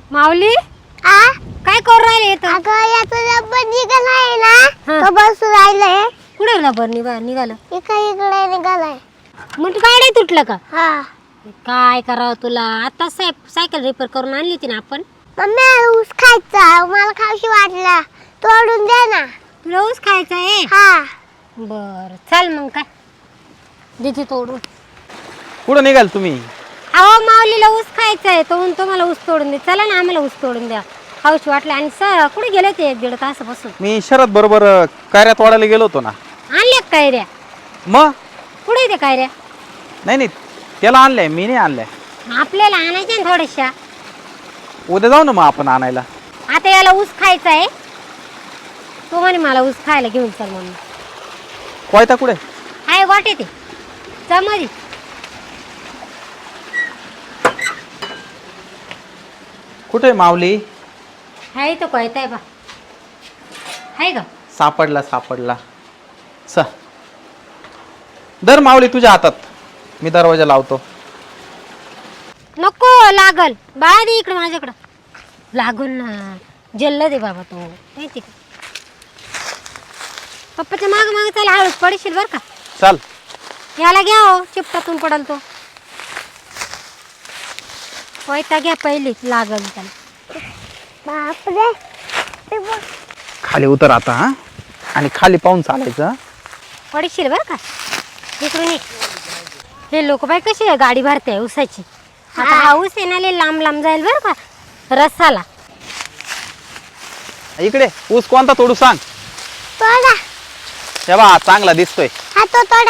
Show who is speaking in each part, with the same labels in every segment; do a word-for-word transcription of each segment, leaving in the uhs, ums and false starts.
Speaker 1: माऊली
Speaker 2: आ
Speaker 1: काय करू राहिले इथं?
Speaker 2: अगं याचं रबर निघालाय ना
Speaker 1: हा.
Speaker 2: तो बसू राहिलाय
Speaker 1: कुठे रबर निघा निघालं
Speaker 2: इकडे इकडे निघालाय
Speaker 1: मग गाडी तुटलं का?
Speaker 2: हा
Speaker 1: काय करावं तुला? आता साय सायकल रिपेअर करून आणली होती ना आपण.
Speaker 2: मम्मी ऊस खायचा मला खाऊशी वाटला तोडून दे ना
Speaker 1: तुला ऊस खायचा आहे?
Speaker 2: हा
Speaker 1: बर चल मग काय देते तोडून.
Speaker 3: कुठं निघाल तुम्ही?
Speaker 1: अहो माऊलीला ऊस खायचा आहे तो म्हणतो मला ऊस तोडून दे. चला ना आम्हाला ऊस तोडून द्या खाऊशी वाटलं. आणि स कुठे गेले ते एक दीड तासापासून?
Speaker 3: मी शरद बरोबर कायऱ्यात वाढायला गेलो होतो ना.
Speaker 1: आणल्या का कायऱ्या?
Speaker 3: मग
Speaker 1: कुठे ते कायऱ्या?
Speaker 3: नाही नाही त्याला आणलंय मी नाही आणलंय.
Speaker 1: आपल्याला आणायच्या ना थोड्याशा.
Speaker 3: उद्या जाऊ ना मग आपण आणायला.
Speaker 1: आता याला ऊस खायचा आहे तो म्हणे मला ऊस खायला घेऊन चल म्हणून.
Speaker 3: कोयता कुठे?
Speaker 1: आहे वाटे ते चमरी.
Speaker 3: कुठे माऊली?
Speaker 1: आहे तो कोयता आहे बा. आहे का?
Speaker 3: सापडला सापडला. स दर माऊली तुझ्या हातात मी दरवाजा लावतो.
Speaker 1: नको लागल बाळा दे इकडं माझ्याकडं. लागून ना जल्ल दे बाबा तो माहिती का? पप्पाच्या माग माग त्याला हळूच पडशील बर का.
Speaker 3: चल
Speaker 1: याला घ्या हो चिपटातून पडल तो. कोयता घ्या पहिली लागल त्याला.
Speaker 2: बापरे ते बघ.
Speaker 3: खाली उतर आता हा आणि खाली पाहून चालायचं.
Speaker 1: पडशील बर का. इकडून ये. हे लोक बाई कशी गाडी भरते ऊसाची. आता हा ऊस येणारे लांब लांब जाईल बर का रसाला.
Speaker 3: इकडे ऊस कोणता तोडू सांग.
Speaker 2: तोडा
Speaker 3: हे बा हा चांगला दिसतोय.
Speaker 2: हा तो तोडा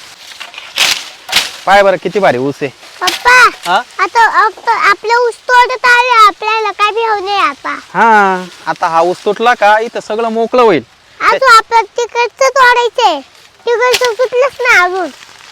Speaker 3: पाय बरं किती भारी ऊस आहे.
Speaker 2: पप्पा
Speaker 3: हा
Speaker 2: आता आता आपलं ऊस तोडत आले आपल्याला काय भी होऊ नये आता.
Speaker 3: हा आता हा ऊस तुटला का इथं सगळं मोकळं होईल.
Speaker 2: अजून आपलं तिकडचं तोडायचंय तिकडचं सुटलंच ना अजून.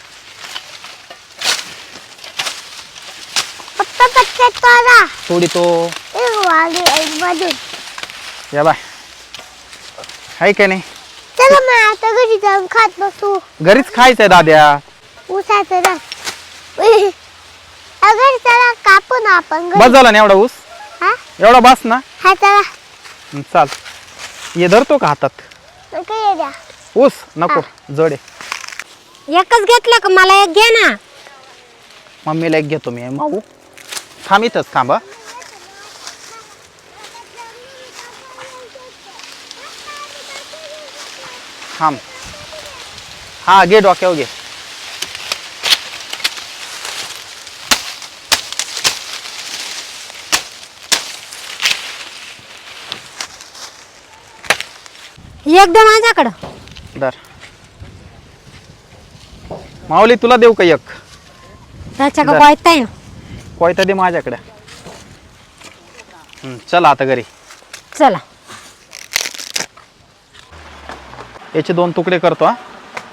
Speaker 2: पप्पा पटकन तोडा.
Speaker 3: थोडी तो
Speaker 2: ए वाली मधून.
Speaker 3: या बाय आहे का नाही.
Speaker 2: चला मग आता घरी जाऊन खात बसू.
Speaker 3: घरीच खायचंय दाद्या.
Speaker 2: ऊसाचं रस. अगर चला कापू ना आपण घरी.
Speaker 3: बस झाला ना एवढा ऊस.
Speaker 2: हा
Speaker 3: एवढा बस ना.
Speaker 2: हा चला
Speaker 3: हं, चाल ये धरतो का हातात.
Speaker 2: नका ये द्या.
Speaker 3: ऊस नको जडे.
Speaker 1: एकच घेतलं का मला एक घे ना.
Speaker 3: मम्मीला एक घेतो मी. माऊ थांब इथंच थांबा. थांब हा घे डोक्यावर घे.
Speaker 1: एकदम माझ्याकडं.
Speaker 3: दर माऊली तुला देऊ का एक.
Speaker 1: त्याच्या का
Speaker 3: जा.
Speaker 1: कोयता आहे ना.
Speaker 3: कोयता दे माझ्याकडे. हं, चल आता घरी.
Speaker 1: चला
Speaker 3: याचे दोन तुकडे करतो हा.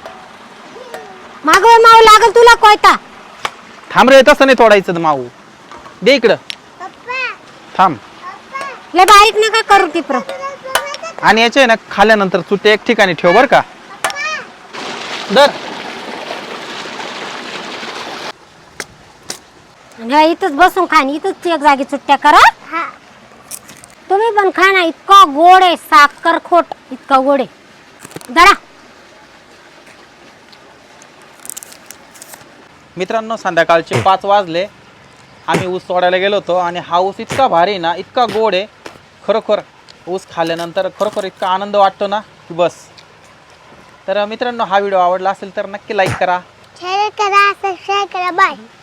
Speaker 1: मागव माऊ लागल तुला कोयता.
Speaker 3: थांब रे तसं नाही तोडायचं माऊ. दे इकडं
Speaker 2: पप्पा
Speaker 3: थांब.
Speaker 1: लय बारीक नका करू टिपर.
Speaker 3: आणि याचे ना खाल्यानंतर तू ते एक ठिकाणी ठेव बर का. दर
Speaker 1: ह्या इथंच बसून खा आणि इथंच एक जागी सुट्ट्या करा.
Speaker 2: हा
Speaker 1: तुम्ही पण खा ना. इतका गोड आहे साखर खोट इतका गोड आहे. जरा
Speaker 3: मित्रांनो संध्याकाळचे पाच वाजले. आम्ही ऊस तोडायला गेलो होतो आणि हा ऊस इतका भारी ना इतका गोड आहे खरोखर. ऊस खाल्ल्यानंतर खरोखर इतका आनंद वाटतो ना की बस. तर मित्रांनो हा व्हिडिओ आवडला असेल तर नक्की लाईक करा.
Speaker 2: शेअर करा सबस्क्राईब करा बाय.